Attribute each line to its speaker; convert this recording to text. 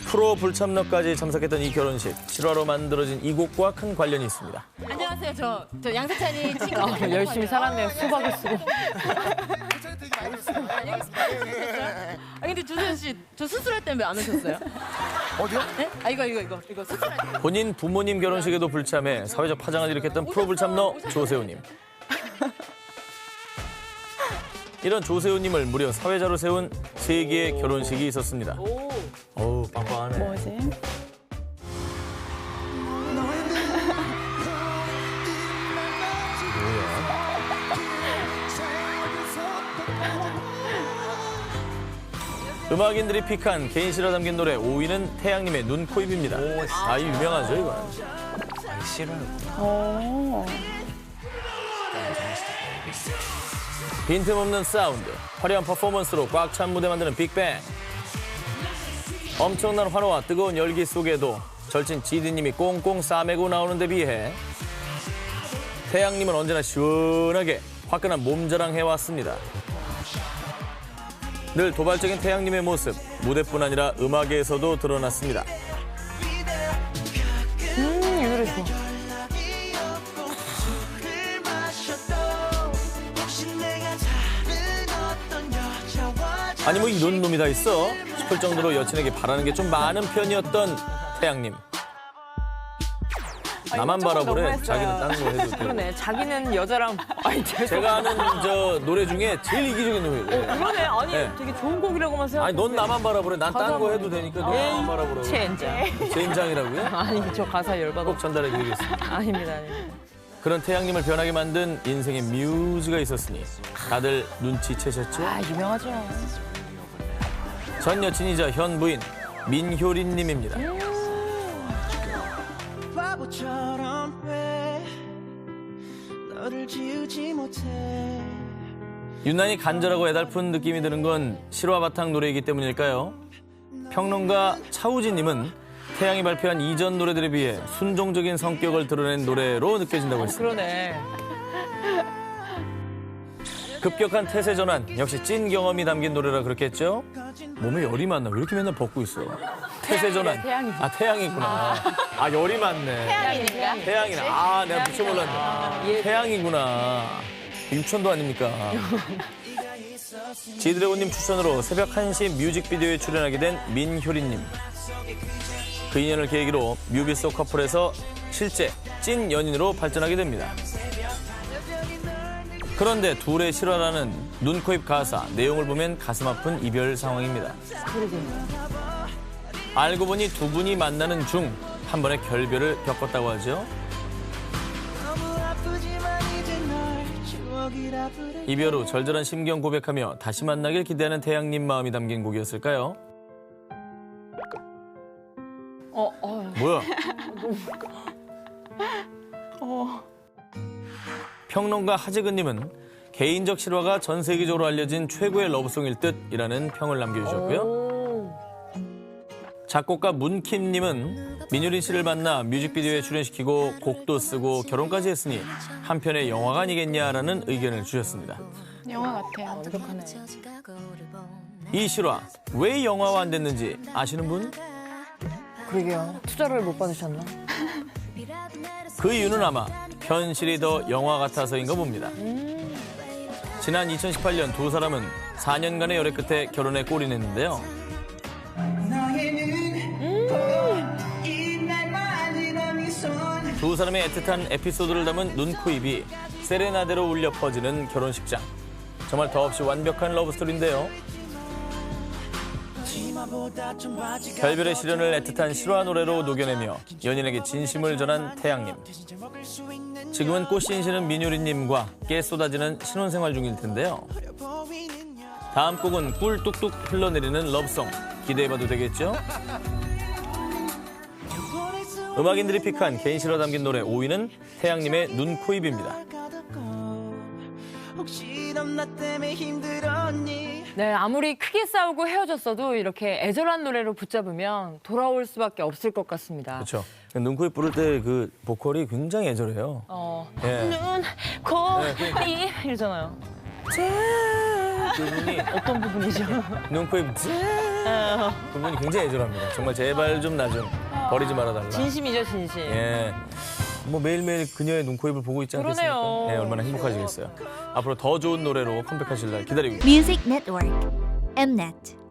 Speaker 1: 프로 불참러까지 참석했던 이 결혼식, 실화로 만들어진 이 곡과 큰 관련이 있습니다.
Speaker 2: 안녕하세요. 저 양세찬이 친구.
Speaker 3: 열심히 살았네요. 수박을 쓰고.
Speaker 2: 아 근데 조세현 씨, 저 수술할 때는 왜 안 오셨어요?
Speaker 4: 어디요?
Speaker 2: 네? 아 이거 수술할 때.
Speaker 1: 본인 부모님 결혼식에도 불참해 사회적 파장을 일으켰던 프로 불참러 조세호님. 이런 조세호님을 무려 사회자로 세운 세 개의 결혼식이 있었습니다. 어우, 빵빵하네.
Speaker 3: 뭐지?
Speaker 1: 음악인들이 픽한 개인 실화 담긴 노래 5위는 태양님의 눈, 코, 입입니다. 아, 이 유명하죠, 이거는.
Speaker 3: 어.
Speaker 1: 빈틈없는 사운드, 화려한 퍼포먼스로 꽉 찬 무대 만드는 빅뱅. 엄청난 환호와 뜨거운 열기 속에도 절친 지디님이 꽁꽁 싸매고 나오는 데 비해 태양님은 언제나 시원하게 화끈한 몸자랑 해왔습니다. 늘 도발적인 태양님의 모습, 무대뿐 아니라 음악에서도 드러났습니다.
Speaker 3: 이 노래 좋아.
Speaker 1: 아니 뭐 이런 놈이 다 있어? 싶을 정도로 여친에게 바라는 게 좀 많은 편이었던 태양님. 나만 바라보래. 자기는 딴 거 해도 되고.
Speaker 3: 그러네. 자기는 여자랑. 아니,
Speaker 1: 제가 아는 저 노래 중에 제일 이기적인 놈이에요.
Speaker 3: 그러네. 아니,
Speaker 1: 네.
Speaker 3: 되게 좋은 곡이라고만 생각.
Speaker 1: 아니 넌 나만 바라보래. 난 딴 거 해도 되니까 너 나만 바라보라고.
Speaker 3: 젠장.
Speaker 1: 젠장이라고요?
Speaker 3: 아니, 저 가사 열받아.
Speaker 1: 꼭 전달해드리겠습니다.
Speaker 3: 아닙니다, 아닙니다.
Speaker 1: 그런 태양님을 변하게 만든 인생의 뮤즈가 있었으니 다들 눈치채셨죠?
Speaker 3: 아, 유명하죠.
Speaker 1: 전 여친이자 현 부인 민효린님입니다.
Speaker 5: 바보처럼 왜 너를 지우지 못해.
Speaker 1: 유난히 간절하고 애달픈 느낌이 드는 건 실화 바탕 노래이기 때문일까요? 평론가 차우진님은 태양이 발표한 이전 노래들에 비해 순종적인 성격을 드러낸 노래로 느껴진다고 했습니다.
Speaker 3: 그러네.
Speaker 1: 급격한 태세 전환, 역시 찐 경험이 담긴 노래라 그렇겠죠? 몸에 열이 많나? 왜 이렇게 맨날 벗고 있어? 태세 전환.
Speaker 3: 태양이지.
Speaker 1: 아, 태양이구나. 아, 열이 많네.
Speaker 2: 태양이니까.
Speaker 1: 태양이네. 아, 내가 미쳐 몰랐네. 태양이구나. 유천도 아닙니까? 지드래곤님 추천으로 새벽 1시 뮤직비디오에 출연하게 된 민효린님. 그 인연을 계기로 뮤비 속 커플에서 실제 찐 연인으로 발전하게 됩니다. 그런데 둘의 실화라는 눈, 코, 입 가사, 내용을 보면 가슴 아픈 이별 상황입니다. 알고 보니 두 분이 만나는 중 한 번의 결별을 겪었다고 하죠. 이별 후 절절한 심경 고백하며 다시 만나길 기대하는 태양님 마음이 담긴 곡이었을까요? 뭐야? 평론가 하재근님은 개인적 실화가 전 세계적으로 알려진 최고의 러브송일 듯이라는 평을 남겨주셨고요. 작곡가 문킴님은 민효린 씨를 만나 뮤직비디오에 출연시키고 곡도 쓰고 결혼까지 했으니 한편의 영화가 아니겠냐라는 의견을 주셨습니다.
Speaker 6: 영화 같아요.
Speaker 3: 완벽하네.
Speaker 1: 이 실화 왜 영화화 안 됐는지 아시는 분?
Speaker 3: 그러게요. 투자를 못 받으셨나?
Speaker 1: 그 이유는 아마 현실이 더 영화 같아서인가 봅니다. 지난 2018년 두 사람은 4년간의 열애 끝에 결혼에 골인했는데요. 두 사람의 애틋한 에피소드를 담은 눈, 코, 입이 세레나데로 울려 퍼지는 결혼식장. 정말 더없이 완벽한 러브스토리인데요. 결별의 시련을 애틋한 실화 노래로 녹여내며 연인에게 진심을 전한 태양님. 지금은 꽃신신은 민효린님과 깨 쏟아지는 신혼생활 중일 텐데요. 다음 곡은 꿀 뚝뚝 흘러내리는 러브송. 기대해봐도 되겠죠? 음악인들이 픽한 개인 실화 담긴 노래 5위는 태양님의 눈, 코, 입입니다.
Speaker 3: 네, 아무리 크게 싸우고 헤어졌어도 이렇게 애절한 노래로 붙잡으면 돌아올 수밖에 없을 것 같습니다.
Speaker 1: 그렇죠. 눈, 코, 입 부를 때 그 보컬이 굉장히 애절해요. 예.
Speaker 3: 눈, 코, 입 이러잖아요.
Speaker 1: 그 부분이
Speaker 3: 어떤 부분이죠?
Speaker 1: 눈, 코, 입 두 분이 굉장히 애절합니다. 정말 제발 좀 나 좀 버리지 말아달라.
Speaker 3: 진심이죠, 진심.
Speaker 1: 예. 뭐 매일매일 그녀의 눈코입을 보고 있지 않겠습니까?
Speaker 3: 그러네요.
Speaker 1: 예, 얼마나 행복하시겠어요. 앞으로 더 좋은 노래로 컴백하실 날 기다리고 있습니다.
Speaker 4: Music Network. Mnet.